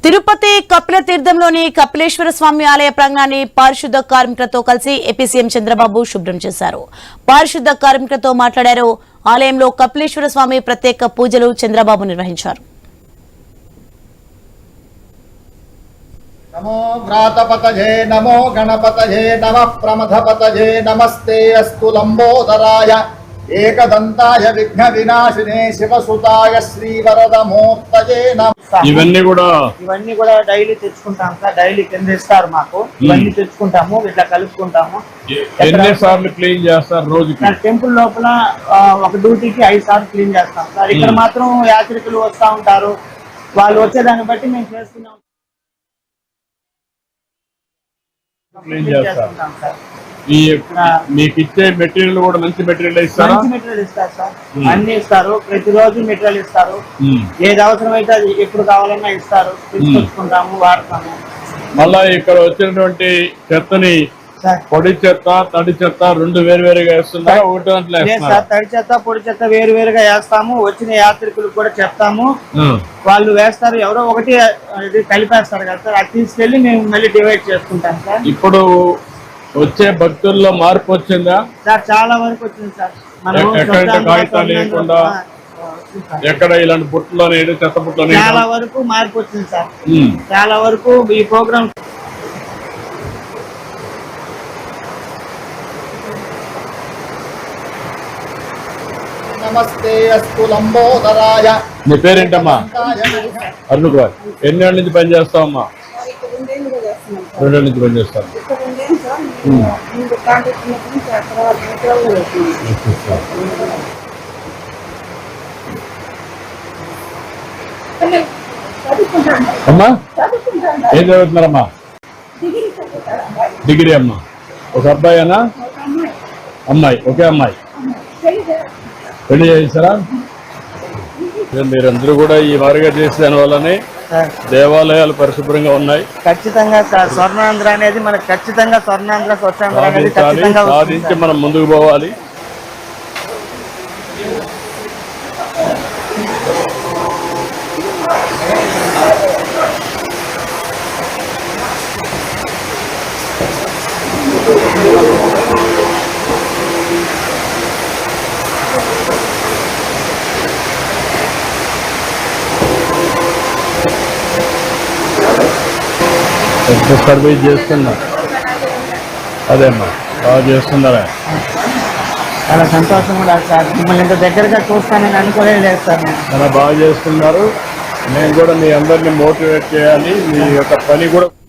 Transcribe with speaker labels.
Speaker 1: తిరుపతి కపిల తీర్థంలోని కపిలేశ్వర స్వామి ఆలయ ప్రాంగణాన్ని పారిశుద్ధ కార్మికులతో కలిసి ఏపీ సీఎం చంద్రబాబు శుభ్రం చేశారు. పారిశుద్ధ కార్మికులతో మాట్లాడారు. ఆలయంలో కపిలేశ్వర స్వామి ప్రత్యేక పూజలు చంద్రబాబు నిర్వహించారు.
Speaker 2: నమో వ్రాతపతజే నమో గణపతజే నమః ప్రమథపతజే నమస్తే అస్తు లంబోదరాయ ఏకదంతాయ విఘ్న వినాశినే శివసుతాయ శ్రీవరదమూర్తయే నమః.
Speaker 3: ఇవన్నీ
Speaker 4: కూడా డైలీ తెచ్చుకుంటాం సార్. డైలీ కింద ఇస్తారు మాకు. ఇవన్నీ తెచ్చుకుంటాము, ఇట్లా కలుపుకుంటాము.
Speaker 3: ఎన్నిసార్లు క్లీన్ చేస్తారు రోజుకి?
Speaker 4: టెంపుల్ లోపల ఒక డ్యూటీకి 5 సార్లు క్లీన్ చేస్తాం సార్. ఇక్కడ మాత్రం యాత్రికులు వస్తూ ఉంటారు. వాళ్ళు వచ్చేదాన్ని బట్టి మేము చేస్తున్నాం.
Speaker 3: మీకు ఇచ్చే మెటీరియల్ కూడా మంచి మెటీరియల్ ఇస్తారు.
Speaker 4: మంచి మెటీరియల్ ఇస్తారు సార్. అన్ని ఇస్తారు. ప్రతిరోజు మెటీరియల్ ఇస్తారు. ఏది అవసరమైతే అది ఎప్పుడు కావాలన్నా ఇస్తారు. తీసుకొచ్చుకుంటాము, వాడతాము.
Speaker 3: మళ్ళా ఇక్కడ వచ్చినటువంటి చెత్తని పొడి చెత్త తడి చెత్త రెండు వేరువేరుగా వేస్తున్నారా? ఒకటి దాంట్లో
Speaker 4: తడి చెత్త పొడి చెత్త వేరువేరుగా వేస్తాము. వచ్చిన యాత్రికులకు కూడా చెప్తాము, వాళ్ళు వేస్తారు. ఎవరో ఒకటి కలిపేస్తారు కదా సార్. అది తీసుకెళ్లి మేము మళ్ళీ డివైడ్ చేసుకుంటాం సార్.
Speaker 3: ఇప్పుడు వచ్చే భక్తుల్లో మార్పు వచ్చిందా
Speaker 4: సార్? చాలా వరకు వచ్చింది సార్.
Speaker 3: ఎక్కడ కాగితాలు లేకుండా ఎక్కడ ఇలాంటి బుట్టలో చెత్త బుట్టలో
Speaker 4: చాలా వరకు మార్పు వచ్చింది సార్. చాలా వరకు ఈ ప్రోగ్రామ్.
Speaker 2: నమస్తే అస్తు లంబోదరాయ.
Speaker 3: నీ పేరేంటమ్మా? అరుణ్ కుమార్. ఎన్ని ఏళ్ళ నుంచి పని చేస్తావమ్మా? 2 ఏళ్ళ నుంచి పని చేస్తాను. అమ్మా ఏం చదువుతున్నారమ్మా? డిగ్రీ అమ్మా. ఒక అబ్బాయినా అమ్మాయి? ఒకే అమ్మాయి. పెళ్లి చేస్తారా? మీరందరూ కూడా ఈ వారిగా చేసే దాని వల్లనే దేవాలయాలు పరిశుభ్రంగా ఉన్నాయి.
Speaker 4: ఖచ్చితంగా సార్. స్వర్ణాంధ్ర అనేది మనకు ఖచ్చితంగా స్వర్ణాంధ్ర
Speaker 3: సాధించి మనం ముందుకు పోవాలి. సర్వీస్ చేస్తున్నా. అదేమ్మా బాగా చేస్తున్నారా?
Speaker 4: చాలా సంతోషం కూడా సార్. మిమ్మల్ని ఇంత దగ్గరగా చూస్తానని అనుకోలేదు సార్.
Speaker 3: చాలా బాగా చేస్తున్నారు. నేను కూడా మీ అందరినీ మోటివేట్ చేయాలి. మీ యొక్క పని కూడా